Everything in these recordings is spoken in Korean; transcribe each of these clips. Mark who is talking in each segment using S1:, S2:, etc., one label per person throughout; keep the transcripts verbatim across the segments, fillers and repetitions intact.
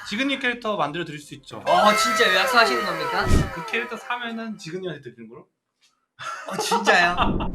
S1: 지근님 캐릭터 만들어 드릴 수 있죠.
S2: 어 진짜 약속하시는 겁니까?
S1: 그 캐릭터 사면은 지근님한테 드리는 거로?
S2: 어 진짜요?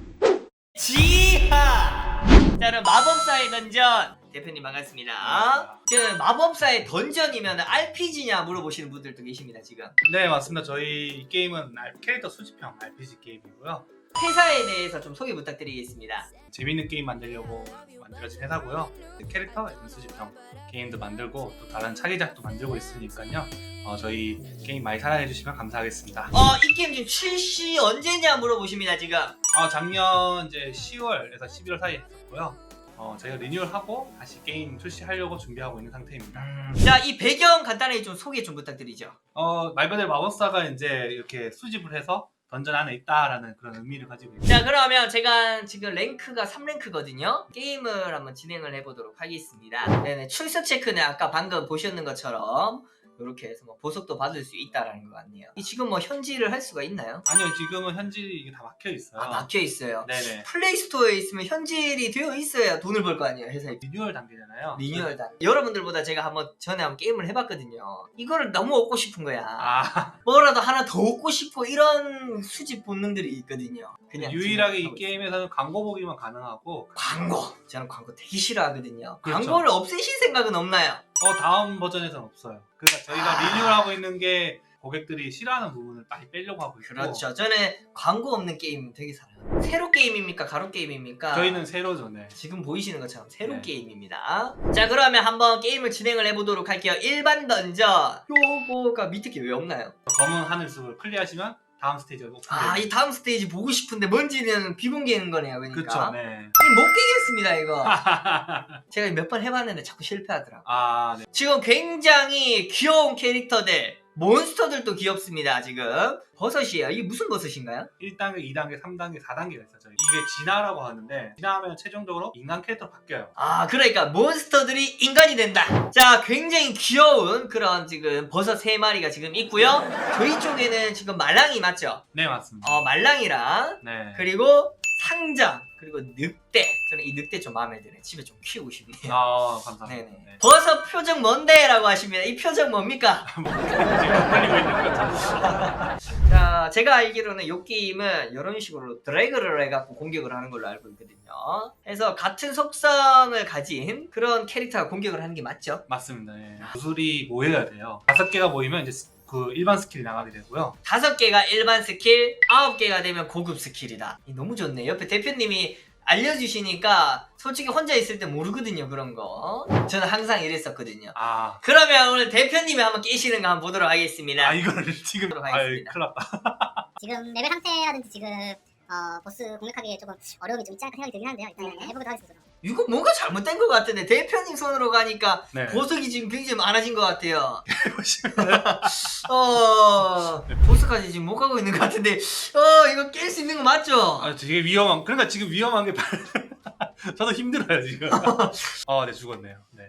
S2: 지하! 자 그럼 마법사의 던전 대표님 반갑습니다. 지금 마법사의 던전이면 알피지냐 물어보시는 분들도 계십니다 지금.
S1: 네 맞습니다. 저희 이 게임은 캐릭터 수집형 알피지 게임이고요.
S2: 회사에 대해서 좀 소개 부탁드리겠습니다.
S1: 재밌는 게임 만들려고 만들어진 회사고요. 캐릭터 수집형 게임도 만들고 또 다른 차기작도 만들고 있으니까요. 어, 저희 게임 많이 사랑해 주시면 감사하겠습니다.
S2: 어 이 게임 지금 출시 언제냐 물어보십니다 지금.
S1: 어, 작년 이제 시월에서 십일월 사이에 했었고요. 어, 저희가 리뉴얼하고 다시 게임 출시하려고 준비하고 있는 상태입니다.
S2: 음... 자, 이 배경 간단하게 좀 소개 좀 부탁드리죠.
S1: 어, 말 그대로 마법사가 이제 이렇게 수집을 해서 던전 안에 있다라는 그런 의미를 가지고 있습니다.
S2: 자, 그러면 제가 지금 랭크가 삼 랭크거든요. 게임을 한번 진행을 해보도록 하겠습니다. 네네, 출석 체크는 아까 방금 보셨는 것처럼 이렇게 해서 뭐 보석도 받을 수 있다라는 것 같네요. 이 지금 뭐 현질을 할 수가 있나요?
S1: 아니요, 지금은 현질이 이게 다 막혀 있어요.
S2: 아, 막혀 있어요.
S1: 네네.
S2: 플레이스토어에 있으면 현질이 되어 있어야 돈을 벌 거 아니에요, 회사에.
S1: 리뉴얼 단계잖아요.
S2: 리뉴얼 단. 여러분들보다 제가 한번 전에 한번 게임을 해봤거든요. 이거를 너무 얻고 싶은 거야.
S1: 아,
S2: 뭐라도 하나 더 얻고 싶어 이런 수집 본능들이 있거든요. 그냥
S1: 유일하게 이
S2: 진행하고 있어요.
S1: 게임에서는 광고 보기만 가능하고.
S2: 광고! 저는 광고 되게 싫어하거든요.
S1: 그렇죠.
S2: 광고를 없애실 생각은 없나요?
S1: 어, 다음 버전에서는 없어요. 그러니까 저희가
S2: 아...
S1: 리뉴얼하고 있는 게 고객들이 싫어하는 부분을 많이 빼려고 하고 있고.
S2: 그렇죠. 저는 광고 없는 게임 되게 사랑해요. 세로 게임입니까? 가로 게임입니까?
S1: 저희는 세로죠, 네.
S2: 지금 보이시는 것처럼 세로
S1: 네.
S2: 게임입니다. 자, 그러면 한번 게임을 진행을 해보도록 할게요. 일반 던전. 요거가 밑에 게 왜 없나요?
S1: 검은 하늘 숲을 클리어하시면 다음 스테이지가 오픈돼요.
S2: 아, 이 다음 스테이지 보고 싶은데 뭔지는 비공개인 거네요. 그러니까.
S1: 그렇죠, 네.
S2: 아니, 못 깨겠습니다, 이거. 제가 몇 번 해봤는데 자꾸 실패하더라고요.
S1: 아, 네.
S2: 지금 굉장히 귀여운 캐릭터들, 몬스터들도 귀엽습니다, 지금. 버섯이에요. 이게 무슨 버섯인가요?
S1: 일 단계, 이 단계, 삼 단계, 사 단계가 있어요. 이게 진화라고 하는데 진화하면 최종적으로 인간 캐릭터로 바뀌어요.
S2: 아, 그러니까 몬스터들이 인간이 된다. 자, 굉장히 귀여운 그런 지금 버섯 세 마리가 지금 있고요. 저희 쪽에는 지금 말랑이 맞죠?
S1: 네, 맞습니다.
S2: 어, 말랑이랑
S1: 네.
S2: 그리고 상장 그리고 늑대. 저는 이 늑대 좀 마음에 드네. 집에 좀 키우고 싶네요.
S1: 아, 감사합니다.
S2: 네네.
S1: 네.
S2: 버섯 표정 뭔데? 라고 하십니다. 이 표정 뭡니까?
S1: 지금 헷갈리고 있는 거죠.
S2: 자, 제가 알기로는 이 게임은 이런 식으로 드래그를 해갖고 공격을 하는 걸로 알고 있거든요. 그래서 같은 속성을 가진 그런 캐릭터가 공격을 하는 게 맞죠?
S1: 맞습니다. 네. 구슬이 모여야 돼요. 다섯 개가 모이면 이제 스- 그 일반 스킬이 나가게 되고요.
S2: 다섯 개가 일반 스킬, 아홉 개가 되면 고급 스킬이다. 이 너무 좋네. 옆에 대표님이 알려주시니까 솔직히 혼자 있을 때 모르거든요, 그런 거. 저는 항상 이랬었거든요.
S1: 아,
S2: 그러면 오늘 대표님이 한번 깨시는 거 한번 보도록 하겠습니다.
S1: 아 이거를 지금
S2: 보도록
S1: 아,
S2: 하겠습니다.
S1: 큰일 났다.
S3: 지금 레벨 상태라든지 지금 어, 보스 공략하기에 조금 어려움이 좀 있지 않을까 생각이 들긴 하는데요. 일단
S2: 네.
S3: 해보도록 하겠습니다.
S2: 이거 뭔가 잘못된 것 같은데 대표님 손으로 가니까
S1: 네.
S2: 보석이 지금 굉장히 많아진 것 같아요.
S1: 보시면
S2: 어... 보스까지 지금 못 가고 있는 것 같은데 어 이거 깰 수 있는 거 맞죠?
S1: 아, 되게 위험한. 그러니까 지금 위험한 게 발- 저도 힘들어요 지금. 아, 네 죽었네요. 네.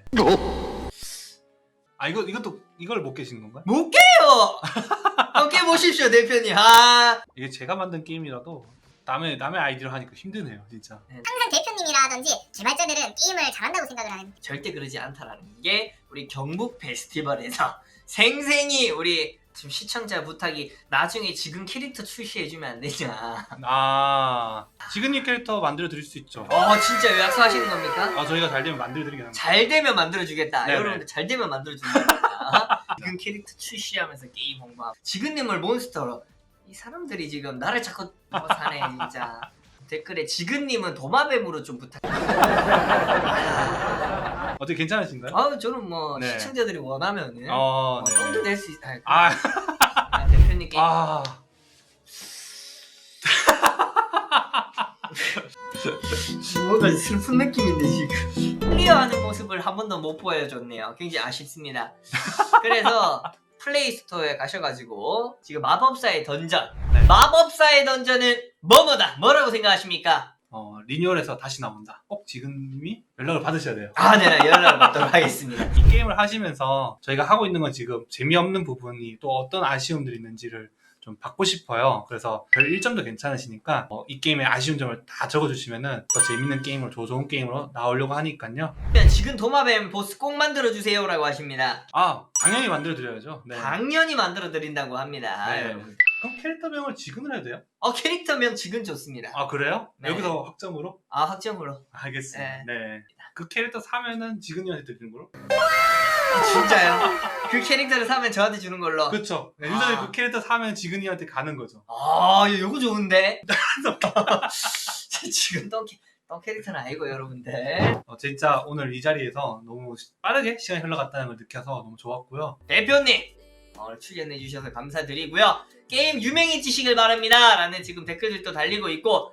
S1: 아 이거 이것도 이걸 못 깨신 건가요?
S2: 못 깨요! 어, 깨보십시오 대표님. 아...
S1: 이게 제가 만든 게임이라도 남의 남의 아이디로 하니까 힘드네요 진짜.
S3: 항상 대표님이라든지 개발자들은 게임을 잘한다고 생각을 하는
S2: 절대 그러지 않다라는 게 우리 경북 페스티벌에서 생생히 우리 지금 시청자 부탁이 나중에 지금 캐릭터 출시해주면 안 되냐.
S1: 아 지근님 캐릭터 만들어 드릴 수 있죠.
S2: 어 진짜 약속하시는 겁니까?
S1: 아 저희가 잘 되면 만들어 드리긴 합니다.
S2: 잘 되면 만들어주겠다.
S1: 네네.
S2: 여러분들 잘 되면 만들어준다. 지금 캐릭터 출시하면서 게임 홍보하고 지근님을 몬스터로 이 사람들이 지금 나를 자꾸 뭐 사네 진짜. 댓글에 지근님은 도마뱀으로 좀 부탁.
S1: 어떻게 괜찮으신가요?
S2: 아 저는 뭐
S1: 네.
S2: 시청자들이 원하면은
S1: 어,
S2: 어,
S1: 네.
S2: 똥도 될 수 있. 아,
S1: 아,
S2: 아, 대표님께
S1: 아,
S2: 뭔가 슬픈 느낌인데 지금 클리어하는 모습을 한 번도 못 보여줬네요. 굉장히 아쉽습니다. 그래서 플레이스토어에 가셔가지고 지금 마법사의 던전
S1: 네.
S2: 마법사의 던전은 뭐뭐다 뭐라고 생각하십니까?
S1: 어, 리뉴얼해서 다시 나온다. 꼭 지근님이 연락을 받으셔야 돼요.
S2: 아 네 연락을 받도록 하겠습니다.
S1: 이 게임을 하시면서 저희가 하고 있는 건 지금 재미없는 부분이 또 어떤 아쉬움들이 있는지를 좀 받고 싶어요. 그래서 별 일 점도 괜찮으시니까 어, 이 게임의 아쉬운 점을 다 적어주시면은 더 재밌는 게임으로, 더 좋은 게임으로 나오려고 하니까요.
S2: 지금 도마뱀 보스 꼭 만들어주세요라고 하십니다.
S1: 아, 당연히 만들어드려야죠. 네.
S2: 당연히 만들어드린다고 합니다.
S1: 네.
S2: 여러분.
S1: 그럼 캐릭터명을 지금은 해도 돼요?
S2: 어 캐릭터명 지금 좋습니다.
S1: 아, 그래요?
S2: 네.
S1: 여기서 확정으로?
S2: 아 확정으로.
S1: 알겠습니다. 네. 그 캐릭터 사면은 지근이한테 드리는 걸로?
S2: 아, 진짜요? 그 캐릭터를 사면 저한테 주는 걸로.
S1: 그쵸. 네,
S2: 아.
S1: 유저들이 그 캐릭터 사면 지근이한테 가는 거죠.
S2: 아 이거 좋은데? 지금 똥, 캐- 똥 캐릭터는 아니고 여러분들.
S1: 어, 진짜 오늘 이 자리에서 너무 빠르게 시간이 흘러갔다는 걸 느껴서 너무 좋았고요.
S2: 대표님 오늘 출연해 주셔서 감사드리고요. 게임 유명해지시길 바랍니다 라는 지금 댓글들도 달리고 있고